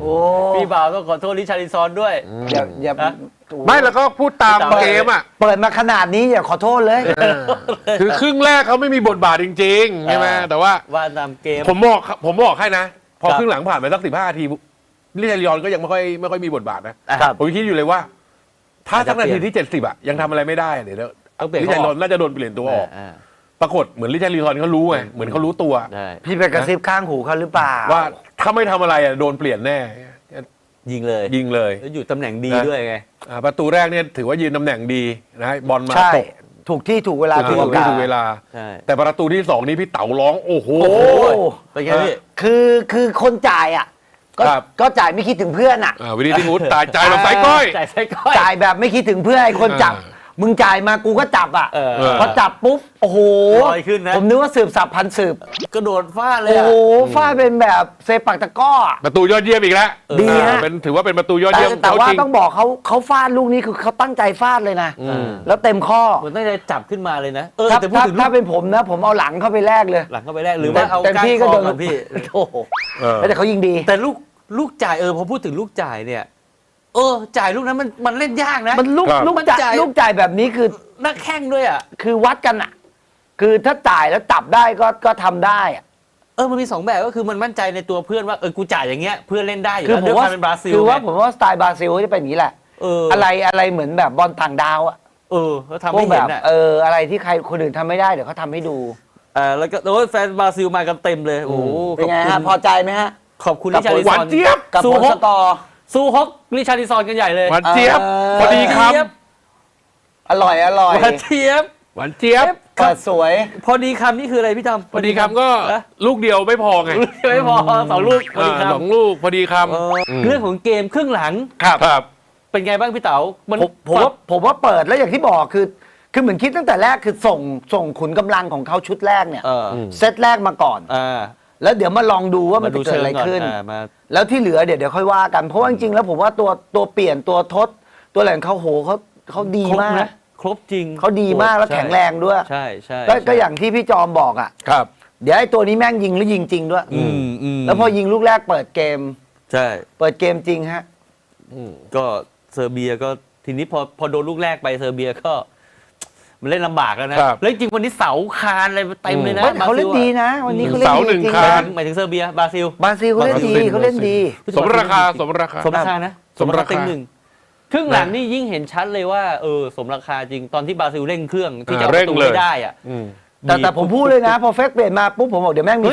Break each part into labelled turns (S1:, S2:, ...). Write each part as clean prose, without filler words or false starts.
S1: พี่บ่าวต้องขอโทษริชาร์ลิซอนด้วย
S2: อย่า
S3: ไม่แล้วก็พูดตามเกมอ่ะ
S2: เปิดมาขนาดนี้อย่าขอโทษเลย
S3: คือครึ่งแรกเขาไม่มีบทบาทจริงๆใช่ไหมแต่ว่า
S1: ตามเกม
S3: ผมบอกให้นะพอครึ่งหลังผ่านไปสัก15 นาทีลิชาร์ลิซอนก็ยังไม่ค่อยมีบทบาทนะผมคิดอยู่เลยว่าถ้าสักนาทีที่70อ่ะยังทำอะไรไม่ได้เดี๋ยวลิชาร์ลิซอนน่าจะโดนเปลี่ยนตัวออกปรากฏเหมือนลิชาร์ลิซอนเขารู้ไงเหมือนเขารู้ตัว
S2: พี่ไปกระซิบข้างหูเขาหรือเปล่า
S3: ว่าถ้าไม่ทำอะไรโดนเปลี่ยนแน่
S1: ยิงเลยแล้วอยู่ตำแหน่งดีด้วยไง
S3: ประตูแรกเนี่ยถือว่ายืนตำแหน่งดีนะบอลมาตก
S2: ถูกที่ถูกเวลา
S3: ถูกเวลาแต่ประตูที่2นี้พี่เต๋าร้องโอ้โห
S1: เป็นไงพี่
S2: คือคนจ่ายอ่ะก็จ่ายไม่คิดถึงเพื่อนอ่ะ
S3: วินิติวุฒิจ่ายแบบไส้ก้อย
S2: จ่ายแบบไม่คิดถึงเพื่อนไอ้คนจับมึงจ่ายมากูก็จับอ่ะพอจับปุ๊บโอ้โห
S1: ลอยขึ้นนะ
S2: ผมนึกว่าสืบสับพันสืบ
S1: กระโดดฟาดเลย
S2: โอ้โหฟาดเป็นแบบเซปักตะก้อ
S3: ประตูยอดเยี่ยมอีกแล้ว
S2: ดีฮะ
S3: ถือว่าเป็นประตูยอดเยี่ยม
S2: แต่ว่าต้องบอกเขาฟาดลูกนี้คือเขาตั้งใจฟาดเลยนะแล้วเต็มข้อ
S1: เหมือนตั้งใจจับขึ้นมาเลยนะ
S2: ถ้าเป็นผมนะผมเอาหลังเข้าไปแลกเลย
S1: หลังเข้าไปแลกหรือว่าเอาก้านคอกับพี่
S2: โอ้โหแต่เขายิงดี
S1: แต่ลูกจ่ายพอพูดถึงลูกจ่ายเนี่ยจ่ายลูกนั้นมันเล่นยากนะ
S2: มันลูกจ่ายแบบนี้คือ
S1: นักแข่งด้วยอ่ะ
S2: คือวัดกันอ่ะคือถ้าจ่ายแล้วจับได้ก็ทำได้อ่ะ
S1: มันมี2แบบก็คือมันมั่นใจในตัวเพื่อนว่ากูจ่ายอย่างเงี้ยเพื่อนเล่นได้อยู่แล้วด้วยความเป็นบราซิล
S2: คือว่าผมว่าสไตล์บราซิลจะเป็นอย่างนี้แหละอะไรเหมือนแบบบอลต่างดาวอ่ะ
S1: เขาทำให้เห็นอ่ะ
S2: อะไรที่ใครคนอื่นทำไม่ได้เดี๋ยวเขาทำให้ดู
S1: แล้วก็แฟนบราซิลมากันเต็มเลยโอ้
S2: เป็นไงฮะพอใจไหมฮะ
S1: ขอบคุณริชาร์ลิซอน
S2: กับผลสกอร์
S1: สู้ฮกริชาร์ลิซอนกันใหญ่เลย
S3: หวานเจี๊ยบพอดีครับ
S2: อร่อย
S1: หวานเจี๊ยบ
S2: เปิดสวย
S1: พอดีคำนี่คืออะไรพี่ทำ
S3: พอดีคำก็ลูกเดียวไม่พอไง
S1: ไม่พอ2 ลูกพอดีคำ
S3: 2 ลูกพอดีค
S1: ำเรื่องของเกมครึ่งหลัง
S3: ครับ
S1: เป็นไงบ้างพี่เต๋า
S2: ผมว่าเปิดแล้วอย่างที่บอกคือเหมือนคิดตั้งแต่แรกคือส่งขุนกำลังของเขาชุดแรกเนี่ยเซตแรกมาก่อนแล้วเดี๋ยวมาลองดูว่ามันจะเกิดอะไรขึ้นแล้วที่เหลือเดี๋ยวค่อยว่ากันเพราะว่าจริงๆแล้วผมว่าตัวเปลี่ยนตัวทดตัวแหล่งเขาดีมาก
S1: ครบจริง
S2: เขาดีมากแล้วแข็งแรงด้วย
S1: ใช่
S2: ก็อย่างที่พี่จอมบอกอ่ะ
S3: ครับ
S2: เดี๋ยวไอ้ตัวนี้แม่งยิงแล้วยิงจริงด้วยแล้วพอยิงลูกแรกเปิดเกม
S1: ใช่
S2: เปิดเกมจริงฮะ
S1: ก็เซอร์เบียก็ทีนี้พอโดนลูกแรกไปเซอร์เบียก็มันเล่นลำบากแล้วนะแล้วจริงวันนี้เสาคานอะไรเต็มเลยนะ
S2: เขาเล่นดีนะวันนี้เขาเล่นดีจริง
S1: หมายถึงเซอร์เบียบราซิล
S2: เขาเล่นดี
S3: สมราคา
S1: นะสมราคา1ครึ่งหลังนี่ยิ่งเห็นชัดเลยว่าสมราคาจริงตอนที่บราซิลเร่งเครื่องที่จะประตูไม่ได้อ่ะ
S2: แต่ผมพูดเลยนะพอเฟกเปลี่ยนมาปุ๊บผมบอกเดี๋ยวแม่งมี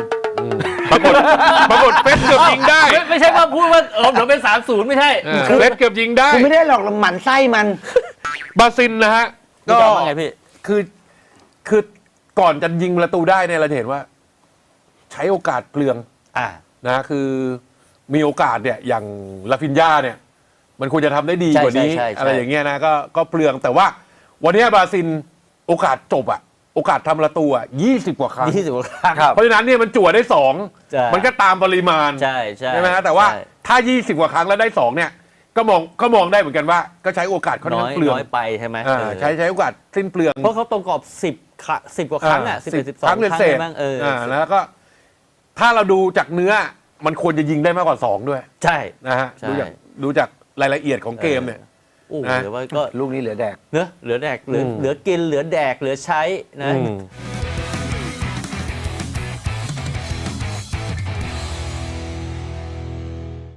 S2: 2-1
S3: ปรากฏเฟสเกือบยิงได้
S1: ไม่ใช่ว่าพูดว่าเดี๋ยวเป็น3-0ไม่ใช่
S3: เฟสเกือบยิงได้
S2: คือไม่ได้หรอกหมั่นไส้มัน
S3: บราซิลนะฮะ
S1: ก็ไงพี่
S3: คือก่อนจะยิงประตูได้เนี่ยเราเห็นว่าใช้โอกาสเปลืองนะคือมีโอกาสเนี่ยอย่างลาฟินญ่าเนี่ยมันควรจะทำได้ดีกว่านี้อะไรอย่างเงี้ยนะก็เปลืองแต่ว่าวันนี้บราซิลโอกาสจบโอกาสทำประตู20 กว่าครั้งเพราะฉะนั้นเนี่ยมันจั่วได้2มันก็ตามปริมาณใช่ไหมฮะแต่ว่าถ้า20 กว่าครั้งแล้วได้2เนี่ยก็มองได้เหมือนกันว่าก็ใช้โอกาสค่อนข้างเปลือง
S1: น้อยไปใช่ไหม
S3: ใช้โอกาสสิ้นเปลือง
S1: เพราะเขาตรงกรอบ10 กว่าครั้ง11 12 ครั้งบ้าง
S3: แล้วก็ถ้าเราดูจากเนื้อมันควรจะยิงได้มากกว่า2ด้วย
S1: ใช่
S3: นะฮะดูจากรายละเอียดของเกมเนี่ย
S1: โอ้เดี๋ยวว่าก็
S2: ลูกนี้เหลือแดก
S1: เหลือแดกเหลือกินเหลือแดกเหลือใช้นะ